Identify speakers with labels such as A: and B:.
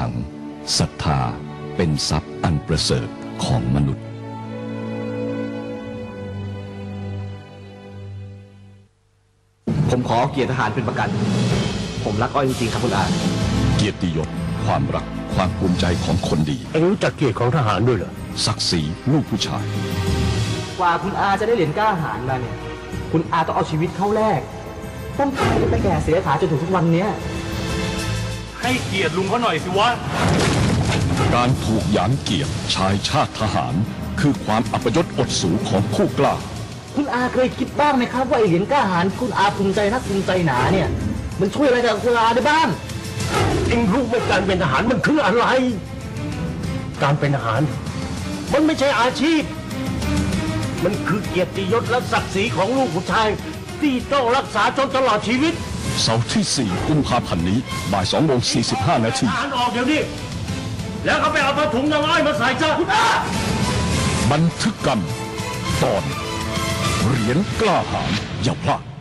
A: ขังศรัทธาเป็นทรัพย์อันประเสริฐของมนุษย์
B: ผมขอเกียรติทหารเป็นประกันผมรักอ้อยจริงๆครับคุณอา
A: เกียรติยศความรักความภูมิใจของคนดี
C: เอ็งรู้จักเกียรติของทหารด้วยเหรอ
A: ศักดิ์ศรีลูกผู้ชาย
B: กว่าคุณอาจะได้เหรียญกล้าหาญมาเนี่ยคุณอาต้องเอาชีวิตเข้าแลกต้องขายไปแก่เสียขาจนถึงทุกวันเนี้ย
D: ให้เกียรติลุงเขาหน่อยสิวะ
A: การถูกหยามเกียรติชายชาติทหารคือความอัปยศอดสูของผู้กล้า
B: คุณอาเคยคิดบ้างไหมครับว่าไอเหรียญกล้าหาญคุณอาภูมิใจนักภูมิใจหนาเนี่ยมันช่วยอะไรกับคุณอาได้บ้าง
C: เอ็งรู้ไหมการเป็นทหารมันคืออะไรการเป็นทหารมันไม่ใช่อาชีพมันคือเกียรติยศและศักดิ์ศรีของลูกผู้ชายที่ต้องรักษาจนตลอดชีวิต
A: เสาร์ที่ 4 กุมภาพันธ์นี้บ่าย2:45 นาที
C: ทหารออกเดี๋ยวนี้แล้วเขาไปเอาผ้าถุงยางอ้อยมาใส่ซะคุณอา
A: บันทึกกรรมตอนเหรียญกล้าหาญอย่าพลาด